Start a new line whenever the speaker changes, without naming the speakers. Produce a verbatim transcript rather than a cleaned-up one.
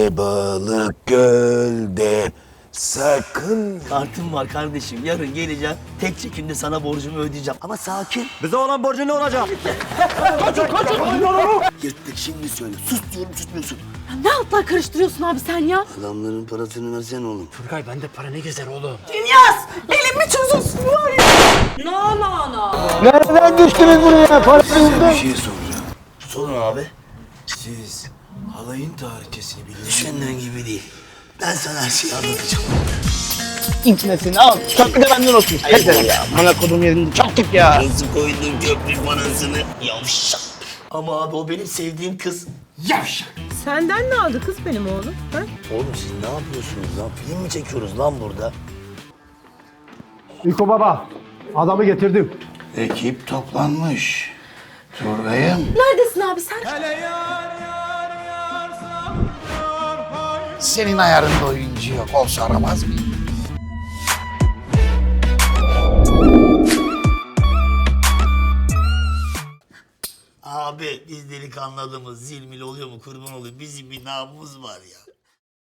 Denizde balık gölde sakın.
Kartım var kardeşim. Yarın geleceğim. Tek çekimde sana borcumu ödeyeceğim. Ama sakin.
Bize olan borcu ne olacak?
Yırttık şimdi söyle. Sus diyorum susmuyorsun.
Ya ne altlar karıştırıyorsun abi sen ya?
Adamların parasını versene oğlum.
Turgay bende para ne gezer oğlum?
Dünyas! Elimi çözülsün var ya! No no no!
Nereden düştünüz buraya? Parasını
Bir şey soracağım. Sorun abi. Siz halayın tarihçesini biliyor musunuz? Düşündüğün gibi değil. Ben sana her şeyi anlatacağım.
İntnesini al. Köprü de benden olsun. Yeter ya. Bana kodum yerinde çaktık ya.
Nasıl koydun köprü parasını? Yavşak.
Ama abi o benim sevdiğim kız.
Senden ne aldı kız benim oğlum? Ha?
Oğlum siz ne yapıyorsunuz lan? Film mi çekiyoruz lan burada?
İko baba. Adamı getirdim.
Ekip toplanmış. Turgay'ım.
Neredesin abi sen?
Senin ayarında oyuncu yok. Olsa aramaz mıyım?
Abi biz delikanlı adamız. Zilmil oluyor mu kurban oluyor. Bizim bir namımız var ya.